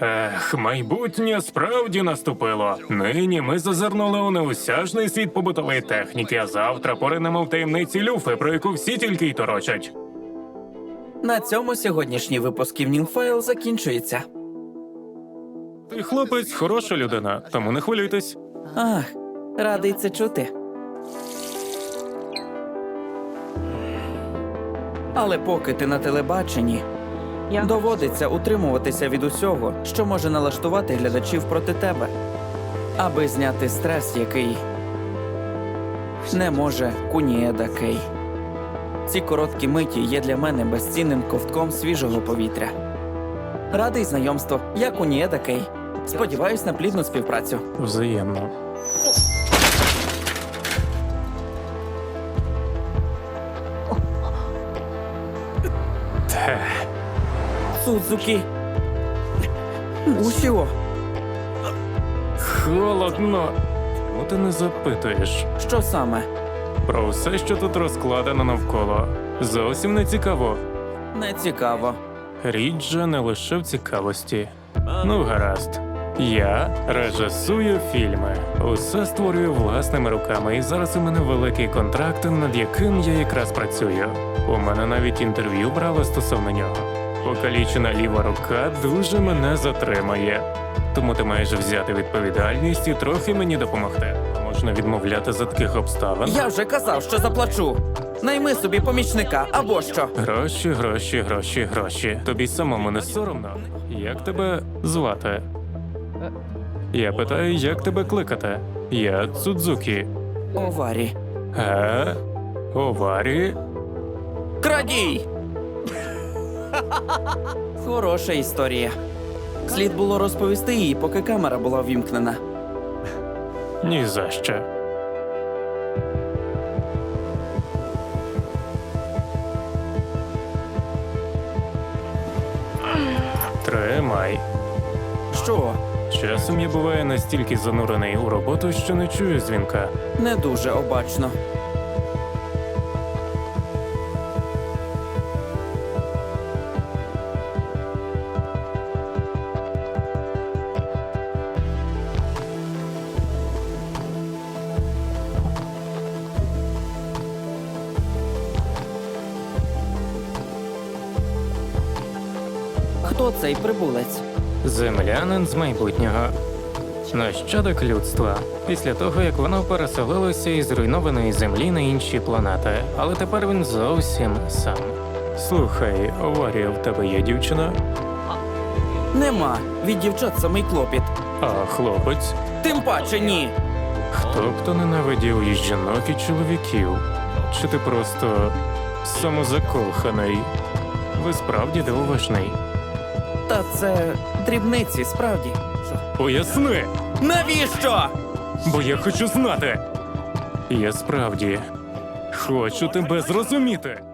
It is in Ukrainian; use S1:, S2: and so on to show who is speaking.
S1: Майбутнє справді наступило. Нині ми зазирнули у неосяжний світ побутової техніки, а завтра поринемо в таємниці люфи, про яку всі тільки й торочать.
S2: На цьому сьогоднішній випуск Evening File закінчується.
S1: Ти, хлопець, хороша людина, тому не хвилюйтесь.
S2: Ах, радий це чути. Але поки ти на телебаченні, доводиться утримуватися від усього, що може налаштувати глядачів проти тебе, аби зняти стрес, який не може Куніеда Кей. Ці короткі миті є для мене безцінним ковтком свіжого повітря. Радий знайомству, я Куніеда Кей. Сподіваюсь на плідну співпрацю.
S1: Взаємно.
S2: Судзукі. Усіо.
S1: Холодно. Чому ти не запитуєш?
S2: Що саме?
S1: Про все, що тут розкладено навколо. Зовсім не цікаво.
S2: Не цікаво.
S1: Річ же не лише в цікавості. Ну, гаразд. Я режисую фільми. Усе створюю власними руками, і зараз у мене великий контракт, над яким я якраз працюю. У мене навіть інтерв'ю брали стосовно нього. Покалічена ліва рука дуже мене затримає. Тому ти маєш взяти відповідальність і трохи мені допомогти. Можна відмовляти за таких обставин.
S2: Я вже казав, що заплачу. Найми собі помічника, або що.
S1: Гроші, гроші, гроші, гроші. Тобі самому не соромно? Як тебе звати? Я питаю, як тебе кликати? Я Цудзукі.
S2: Оварі.
S1: Оварі?
S2: Крадій! Хороша історія. Слід було розповісти її, поки камера була ввімкнена.
S1: Ні за що. Тримай.
S2: Що?
S1: Часом я буваю настільки занурений у роботу, що не чую дзвінка.
S2: Не дуже обачно. Хто цей прибулець?
S1: Землянин з майбутнього. Нащадок людства. Після того, як воно переселилося із зруйнованої землі на інші планети. Але тепер він зовсім сам. Слухай, Оварія, в тебе є дівчина?
S2: Нема. Від дівчат самий клопіт.
S1: А хлопець?
S2: Тим паче ні.
S1: Хто ненавидів і жінок, і чоловіків? Чи ти просто самозакоханий? Ви справді дивовижний.
S2: Та це дрібниці, справді. Що?
S1: Поясни!
S2: Навіщо?
S1: Бо я хочу знати. Я справді хочу тебе зрозуміти.